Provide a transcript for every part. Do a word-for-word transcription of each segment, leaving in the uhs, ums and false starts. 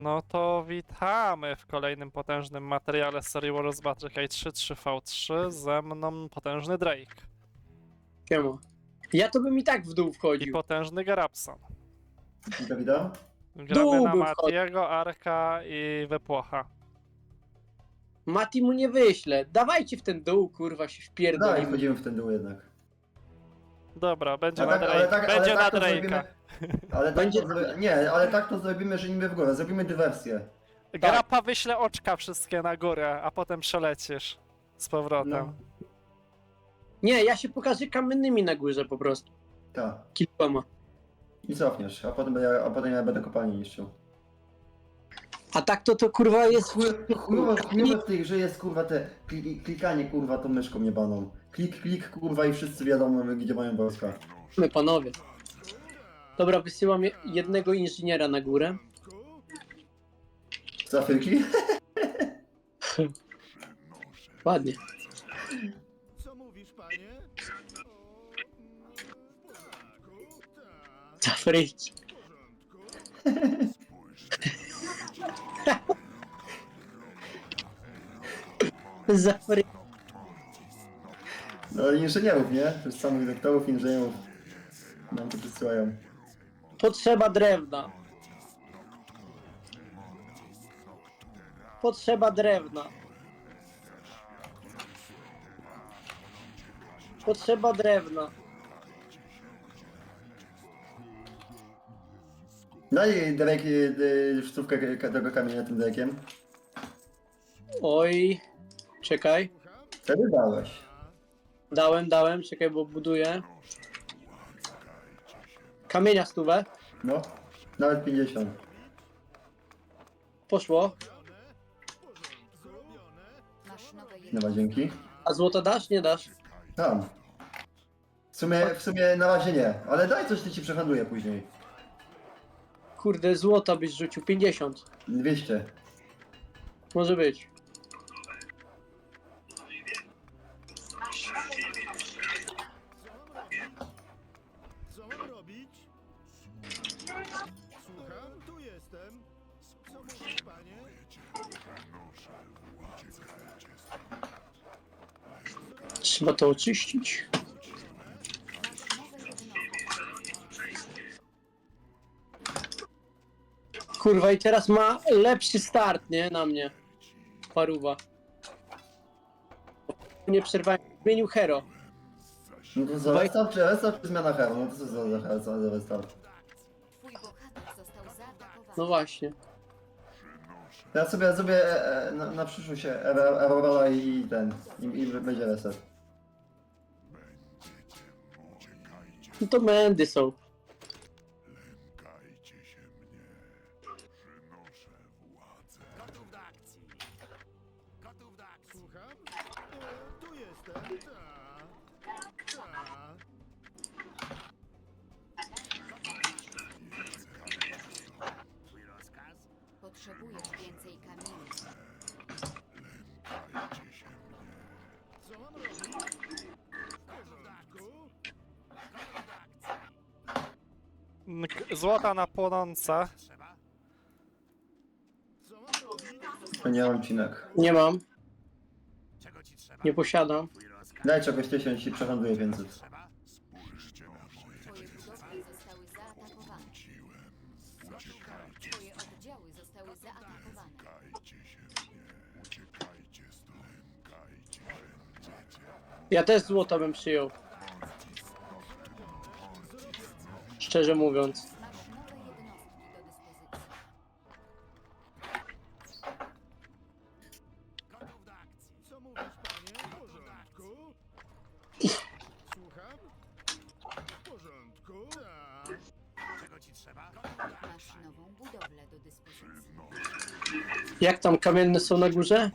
No to witamy w kolejnym potężnym materiale z serii Warriors Battle trzy trzy V trzy. Ze mną potężny Drake Siema. Ja to bym i tak w dół i wchodził. potężny Garabson. Witam, witam. Gramy Dół na bym wchodził. Matiego, Arka i Wypłocha. Mati mu nie wyślę. Dawajcie w ten dół, kurwa, się Dalej wpierdolimy. wchodzimy w ten dół jednak. Dobra, będzie Ale na tak- ale Drake'a. tak- ale Będzie na tak to Drake'a. zrobimy- Ale tak Będzie- to zro... Nie, ale tak to zrobimy, że niby w górę. Zrobimy dywersję. Grapa wyśle oczka wszystkie na górę, a potem przelecisz z powrotem. No. Nie, ja się pokażę kamiennymi na górze po prostu. Tak. Kilkoma. I cofniesz, a potem, ja, a potem ja będę kopalnię niszczył. A tak to to kurwa jest... Chujowo chujowo w tej grze jest kurwa te kli- klikanie kurwa tą myszką jebaną. Klik, klik kurwa i wszyscy wiadomo gdzie mają wojska. My panowie. Dobra, wysyłam je- jednego inżyniera na górę. Z Afryki? Ładnie. Co mówisz, panie? O, w porządku, tak, Z Afryki. w porządku. Z Afryki. No ale inżynierów, nie? Też samych doktorów, inżynierów nam to przysyłają. Potrzeba drewna. Potrzeba drewna. Potrzeba drewna. Daj Derek y, sztuczkę k- tego kamienia tym Derekiem. Oj. Czekaj. Wtedy dałeś. Dałem, dałem. Czekaj, bo buduję. Kamienia stówę. No, nawet pięćdziesiąt. Poszło. Masz nowe Dobra, dzięki. A złoto dasz? Nie dasz? Tam. W sumie, w sumie na razie nie, ale daj coś, ty ci przehandluję później. Kurde, złota byś rzucił. pięćdziesiąt. dwieście. Może być. Co mam robić? Słucham, tu jestem. Co mówisz, panie? Trzeba to oczyścić. Kurwa, i teraz ma lepszy start, nie? Na mnie. Paruwa. Nie przerwałem. Zmienił hero. No to za restart czy restart czy zmiana hero? No to co za, za, za, za restart? Twój bohater został zaatakowany. No właśnie. Ja sobie zrobię e, e, na, na przyszłość Aurora i ten, i, i będzie reset. No to mędy są. Gotów do akcji. Gotów do akcji. Słucham? E, tu jestem. Tak. Tak. Twój rozkaz? Potrzebujesz więcej kamieni. Co mam robić? W porządku. Gotów do akcji. N- k- Złota na płonące. Trzeba? Co mam robić? To nie mam cinek. Nie mam. Czego ci trzeba? Nie posiadam. Twój rozkaz? Daj czegoś tysiąc i przehandluję więcej. Trzeba? Twoje budowle zostały zaatakowane. Twoje oddziały zostały zaatakowane. Ja też złota bym przyjął. Szczerze mówiąc. Masz nowe jednostki do dyspozycji. Gotów do akcji. Co mówisz, panie? W porządku. Słucham? W porządku. Tak. Czego ci trzeba? Masz nową budowlę do dyspozycji. Jak tam kamienne są na górze?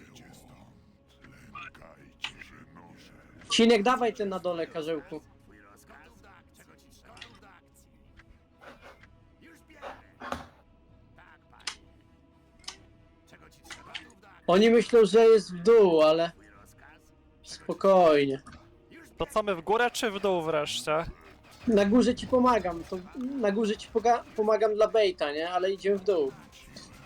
Cinek, dawaj ten na dole, karzełku. Twój rozkaz? Czego ci trzeba? Gotów do akcji. Już biegnę. Tak, panie. Czego ci trzeba? Gotów do akcji. Oni myślą, że jest w dół, ale Twój rozkaz? spokojnie. To co, my w górę czy w dół wreszcie? Na górze ci pomagam. To na górze ci poga- pomagam dla baita, nie? Ale idziemy w dół.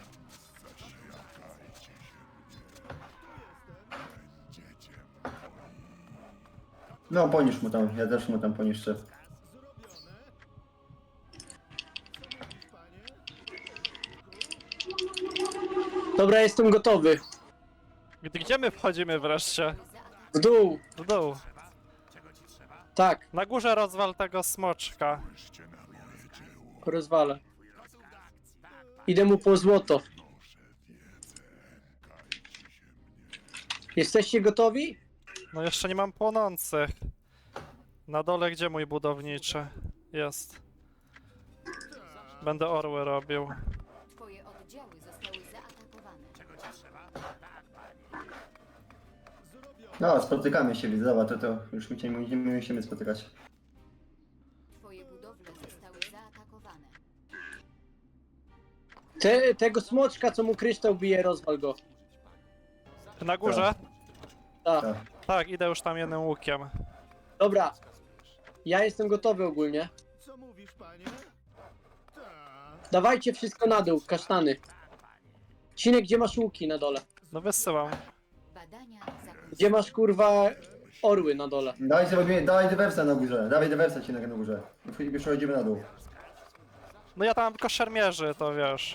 No, poniszcz mu tam, ja też mu tam poniszczę. Dobra, jestem gotowy. Gdy- Gdzie my wchodzimy wreszcie? W dół. W dół. Tak, Na górze rozwal tego smoczka. rozwalę. Idę mu po złoto. Jesteście gotowi? No jeszcze nie mam płonących. Na dole gdzie mój budowniczy? Jest. Będę orły robił. Twoje oddziały zostały zaatakowane. No, spotykamy się, widzę, dobra, to, to już my się nie nie musimy spotykać. Twoje budowle zostały zaatakowane. Te, tego smoczka, co mu kryształ bije, rozwal go. Na górze? Tak. Tak. Tak, idę już tam jednym łukiem. Dobra. Ja jestem gotowy ogólnie. Co mówisz, panie? Tak. Dawajcie wszystko na dół, kasztany. Cinek, gdzie masz łuki na dole? No wysyłam. Badania zakończone. Gdzie masz kurwa orły na dole? Dawaj sobie, dawaj dywersa na górze, dawaj dywersa ci na na górze. I przechodzimy na dół. No ja tam mam tylko szermierzy, to wiesz.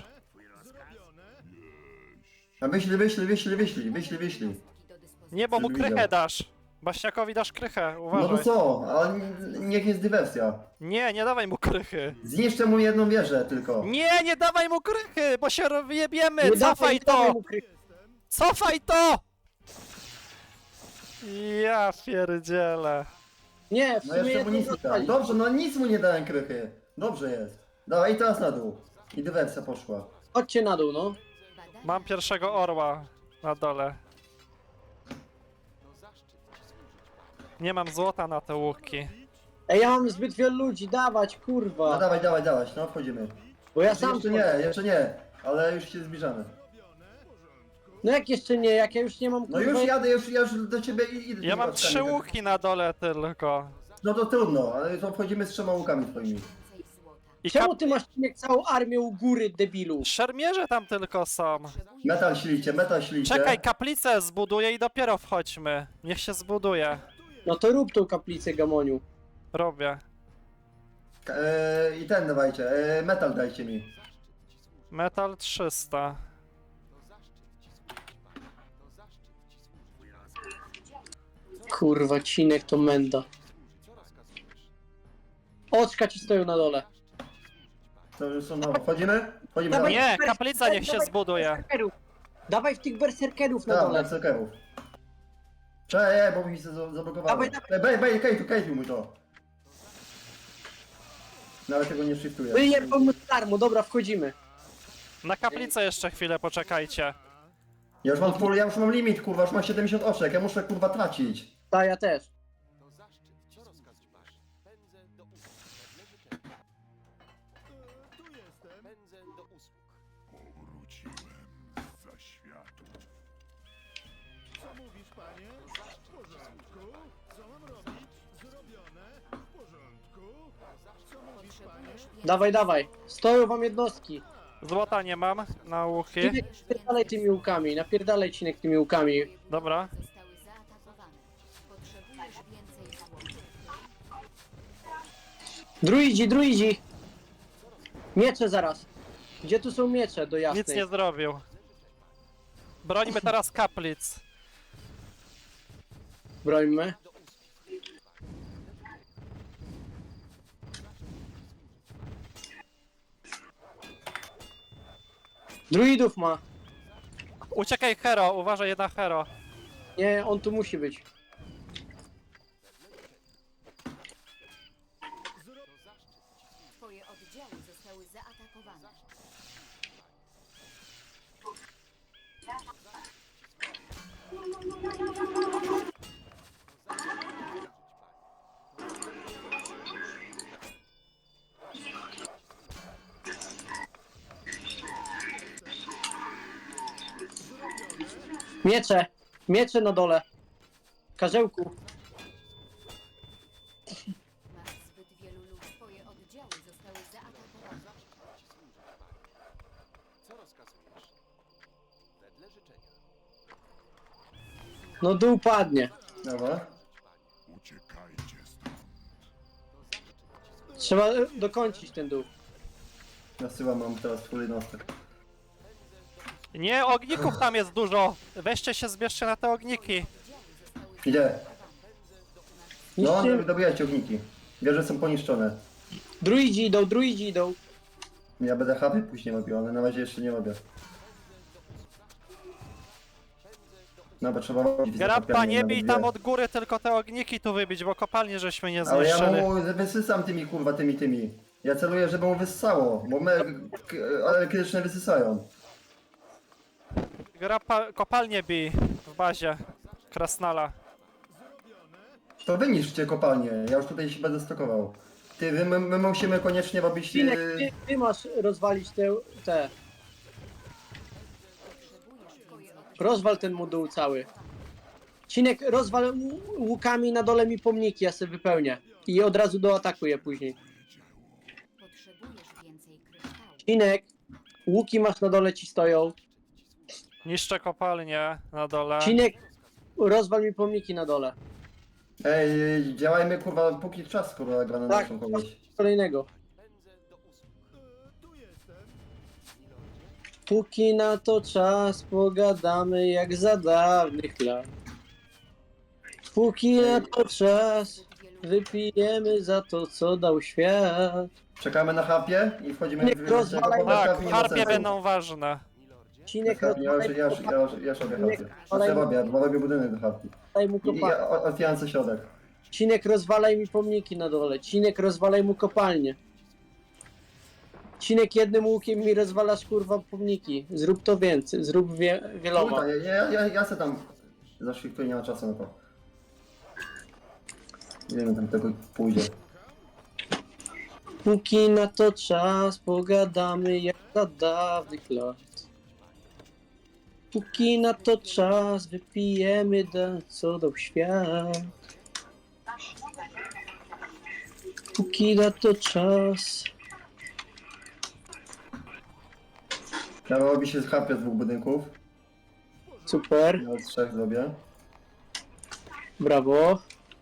A wyślij, wyślij, wyślij, wyślij, wyślij, wyślij. Do dyspozycji. Nie, bo mu Żeby krychę widział. dasz. Baśniakowi dasz krychę, No uważaj. to co, ale n- niech jest dywersja. Nie, nie dawaj mu krychy. Zniszczę mu jedną wieżę tylko. Nie, nie dawaj mu krychy, bo się wyjebiemy. Nie dawaj, Cofaj nie dawaj to! mu kry- Cofaj to! Ja pierdzielę. Nie, w No sumie jeszcze mu jedną nic nie dałem. rozwali. Dobrze, no nic mu nie dałem krychy. Dobrze jest. Dawaj, i teraz na dół. I dywersja poszła. Chodźcie na dół, no. Badania Mam pierwszego orła na dole. Nie mam złota na te łuki. Ej, ja mam zbyt wielu ludzi, dawać, No kurwa. dawaj, dawaj, dawaj, no wchodzimy. Bo ja sam... Jeszcze nie, jeszcze nie, ale już się zbliżamy. No jak jeszcze nie, jak ja już nie mam No kurwa... już jadę, już, ja już do ciebie i- idę. Ja tymi mam paczkami. trzy łuki na dole tylko. No to trudno, ale to wchodzimy z trzema łukami twoimi. więcej złota. I Czemu kap... ty masz Cinek całą armię u góry, debilu? Szermierze tam tylko są. Potrzebuję Metal ślicie, metal ślicie. Czekaj, kaplicę zbuduję i dopiero wchodźmy. Niech się zbuduje. No to rób tą kaplicę, Gamoniu. Robię. Eee, I ten dawajcie, eee, metal dajcie mi. Metal trzysta. Kurwa, Cinek to menda. Oczka ci stoją na dole. To już są, no, wchodzimy? Wchodzimy Dawaj. na dół. Nie, kaplica niech się Dawaj zbuduje. berserkerów. Dawaj w tych berserkerów na Tak, dole. berserkerów. Cześć, bo mi się za- zablokowało. Dawaj, dawaj. Bej, bej, kejtu, kejtu mój to. Nawet tego nie shiftuję. Wyjebał mu darmo, dobra, wchodzimy. Na kaplicę jeszcze chwilę poczekajcie. Ja już mam full, ja już mam limit, kurwa, już mam siedemdziesiąt oczek, ja muszę kurwa tracić. Ta, ja też. Tu jestem. za światu. Co mówisz, panie? W porządku. Co mam robić? Zrobione. W porządku. Co mówisz, panie? Potrzebujesz więcej Dawaj, dawaj. Stoją wam jednostki. Złota nie mam na łuki. Cinek, napierdalaj tymi łukami, napierdalaj Cinek tymi łukami. Dobra. zostały zaatakowane. Potrzebujesz więcej złota. Druidzi, druidzi! Miecze zaraz. Gdzie tu są miecze do jasnej? Nic nie zrobił. Brońmy teraz kaplic. Brońmy. Druidów ma. Uciekaj hero, uważaj jedna hero. Nie, on tu musi być. Twoje oddziały zostały zaatakowane. Miecze! Miecze na dole. Karzełku. Masz zbyt wielu ludzi. Twoje oddziały zostały zaatakowane. No dół padnie. Dobra. Uciekajmy Trzeba e, dokończyć ten dół. Nasyłam, mam teraz full jednostek. Nie, ogników tam jest dużo! Weźcie się, zbierzcie na te ogniki. Idzie. No, Niszczy... dobijajcie ogniki. Wieże są poniszczone. Druidzi idą, druidzi idą. Ja będę hapy później robił, ale na razie jeszcze nie robię. No, bo trzeba robić. Grappa, nie bij tam od góry, tylko te ogniki tu wybić, bo kopalnie żeśmy nie Ale ja zniszczyli. mu wysysam tymi kurwa, tymi, tymi. Ja celuję, żeby mu wyssało, bo me k- elektryczne wysysają. Grappa, kopalnie bij w bazie Krasnala. To wyniszczcie kopalnię, ja już tutaj się będę stokował. Ty, my, my, my musimy koniecznie robić... Cinek, Yy, ty, ty masz rozwalić te... te. Rozwal ten moduł cały. Cinek, rozwal ł- łukami na dole mi pomniki, ja sobie wypełnię. I od razu doatakuję później. Potrzebujesz więcej kryształów. Cinek, łuki masz na dole, ci stoją. Niszczę kopalnię na dole. Cinek, rozwal mi pomniki na dole. Ej, działajmy kurwa, póki czas kurwa gra na Tak, naszą kogoś. kolejnego. Tu jestem. Póki na to czas, pogadamy jak za dawnych lat. Póki na to czas, wypijemy za to, co dał świat. Czekamy na hapie i wchodzimy Nie, w... w- rozwalaj- bo bez Tak, hapy nie ma harpie sensu. będą ważne. Cinek, Bez hapy, ja już, rozwalaj, ja już, ja już, ja już robię Nie, hapie. ale- Ja robię, bo robię budynek do hapy. rozwalaj mu I kopalnię. ja o- otwieram co środek. Cinek, rozwalaj mi pomniki na dole. Cinek, rozwalaj mu kopalnię. Cinek, jednym łukiem mi rozwalasz kurwa pomniki. Zrób to więcej, zrób wie, wieloma. Kurwa, ja, ja, ja, ja se tam zaszliftuję, nie ma czasu na to. Nie wiem, tam tego pójdzie. Póki na to czas, pogadamy jak za dawnych lat. Póki na to czas, wypijemy da, co dał świat. Póki na to czas. Ja robi się z hapie z dwóch budynków. Super, Ja od trzech zrobię. brawo.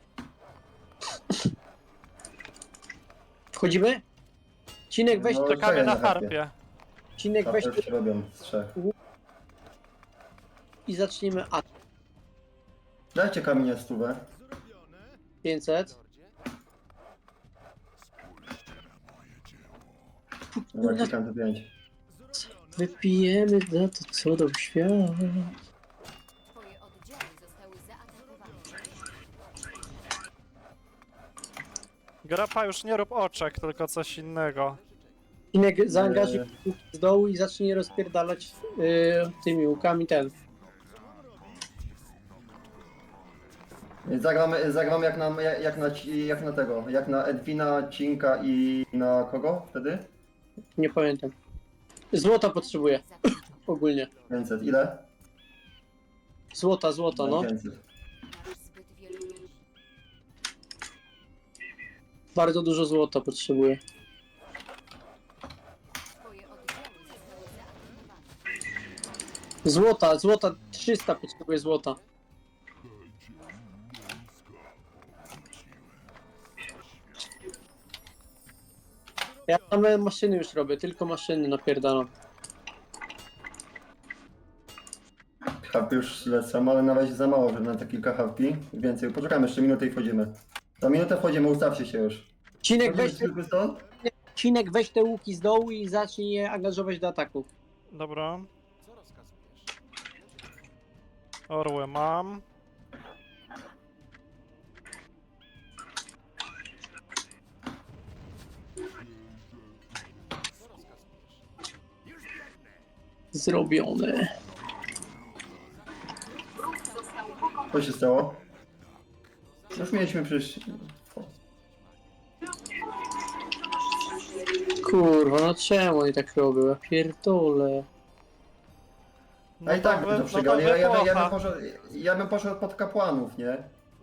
Wchodzimy? Cinek, weź, No, Czekamy czekaj na na harpie. harpie. Cinek, weź Hapy już się robią z trzech. i zaczniemy A Dajcie kamienie stówę. pięćset. Dobra, klikam te pięć. Wypijemy za to, co dał świat. Twoje oddziały zostały zaatakowane. Grappa, już nie rób oczek, tylko coś innego. Cinek, zaangażuj łuki z dołu i zacznij rozpierdalać yy, tymi łukami ten. Zagram, zagram jak na, jak na, jak na tego, jak na Edwina, Cinka i na kogo wtedy? Nie pamiętam. Złota potrzebuję ogólnie. pięćset. Ile? Złota, złota, no. pięćset. Masz zbyt wielu ludzi. Bardzo dużo złota potrzebuję. Twoje oddziały zostały zaatakowane. Złota, złota, trzysta potrzebuję złota. Ja same maszyny już robię, tylko maszyny napierdalam. Harpy już lecą, ale na razie za mało, żeby na te kilka harpi. Więcej. Poczekamy jeszcze minutę i wchodzimy. Za minutę wchodzimy, ustawcie się już. Cinek, weź, Wchodzimy tylko stąd? Cinek, weź te łuki z dołu i zacznij je angażować do ataku. Dobra. Orły mam. Zrobione. Co się stało? Już mieliśmy przecież... Kurwa, no czemu oni tak robią? Ja pierdolę. No i tak wy- by to no przegrali. ja, ja, bym- ja, bym wypłocha. poszedł, ja bym poszedł pod kapłanów, nie?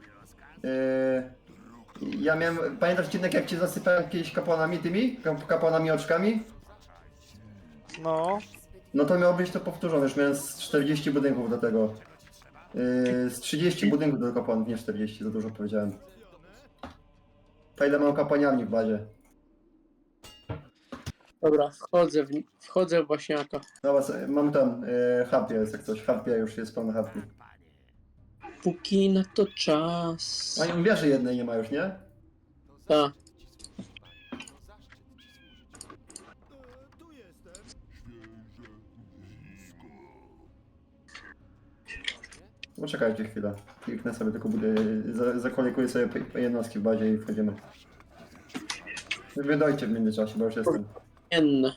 Yy, ja miałem... Pamiętasz, Cinek, jak cię zasypałem kiedyś kapłanami tymi? Kap- Kapłanami oczkami? No. No to miało być to powtórzone, już miałem z czterdzieści budynków do tego. Yy, z trzydzieści budynków do kapłanów, nie czterdzieści, za dużo powiedziałem. To ile mam kapłaniarni w bazie? Dobra, wchodzę w, wchodzę w Baśniaka. Dobra, co- mamy tam e, harpia jest jak coś. Harpia już jest pełna harpi. Póki na to czas. A nie wieży jednej nie ma już, nie? Tak. E, tu jestem. Poczekajcie chwilę. Kliknę sobie tylko budę, za, zakolikuję sobie p- jednostki w bazie i wchodzimy. Wy dojcie w międzyczasie, bo już jestem. N.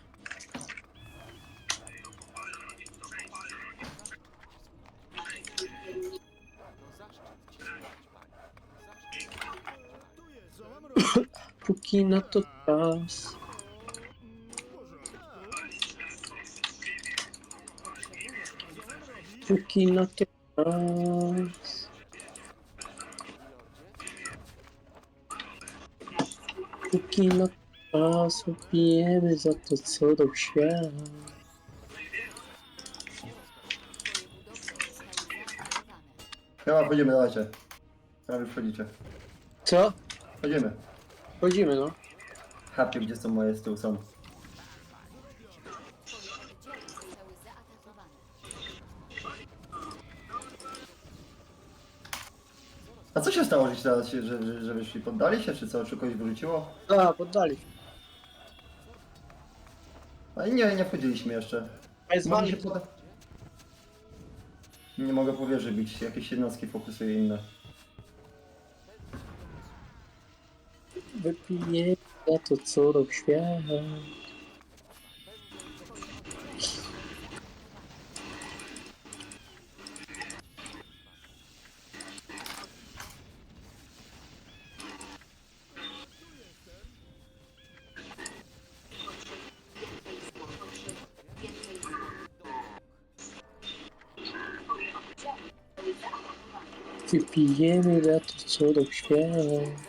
Tu jest. Co mam robić? Póki na to czas. W porządku. Póki na to czas. Póki na to czas opijemy za to, co do świata. Twoje budowle zostały zaatakowane. Chyba wchodzimy, dawajcie. Prawie wchodzicie. Co? Wchodzimy. Chodzimy, no. Harpie, gdzie są moje z tyłu są. Twoje oddziały zostały zaatakowane. A co się stało, że teraz się, że, że, że wyszli? Poddali się, czy co? Czy kogoś wyrzuciło? A, poddali. A nie, nie wchodziliśmy jeszcze. A jest Mogli się wami. poda... Nie mogę po wieży bić, jakieś jednostki fokusuję inne. Wypijemy za to, co do świata. Wypijemy za to, co do świata. Zostały zaatakowane.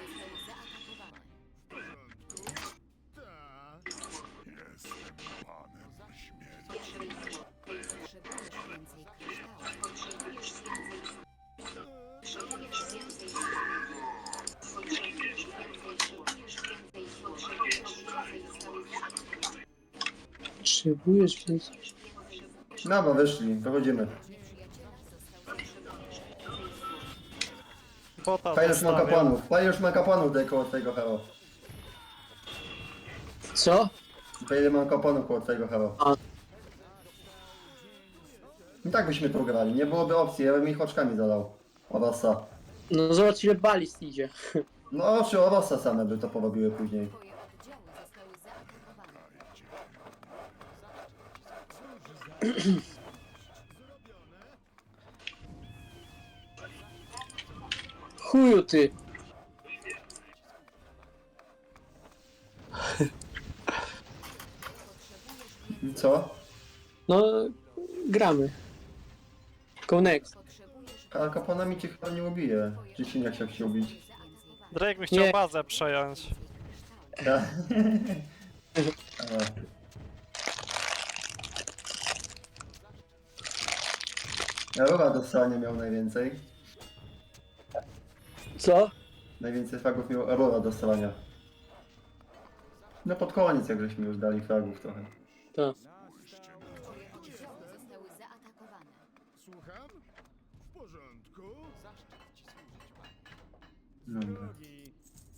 Tak. Jestem panem śmierci. Potrzebujesz więcej kryształów. Potrzebujesz więcej. No, bo wyszli, wychodzimy. Nieprzyjaciela został zatrzymany. Bota Fajnie już ma zostawiam. kapłanów. Fajnie już ma kapłanów tutaj koło twojego hero. Co? Fajnie mam kapłanów koło twojego hero. A. I tak byśmy to grali, nie byłoby opcji, ja bym ich oczkami zadał. Orosa. No zobacz ile balist idzie. No oczy Orosa same by to porobiły później. Twoje oddziały zostały zaatakowane. Chuju ty. I co? No, gramy. Go next. Potrzebujesz A kapłanami cię chyba nie ubije. Czy się nie chciał się ubić? zaatakowane. Drake by chciał Nie. bazę przejąć. Ja. Dobra. Ja Rura dostała nie miał najwięcej. Co? Najwięcej fragów miał Aurora do strzelania. No pod koniec jak żeśmy już dali fragów trochę. Tak. Twoje oddziały zostały zaatakowane. Słucham? W porządku. Dobra. Drogi.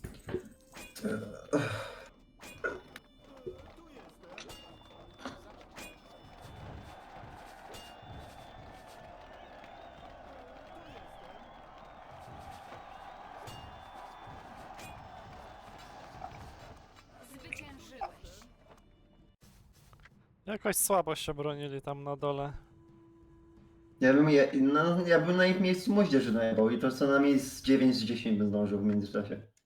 Zwyciężyłeś. Jakoś słabo się bronili tam na dole. Ja bym, ja, no, ja bym na ich miejscu moździerzy najebał i to co najmniej z dziewięć z dziesięć bym zdążył w międzyczasie.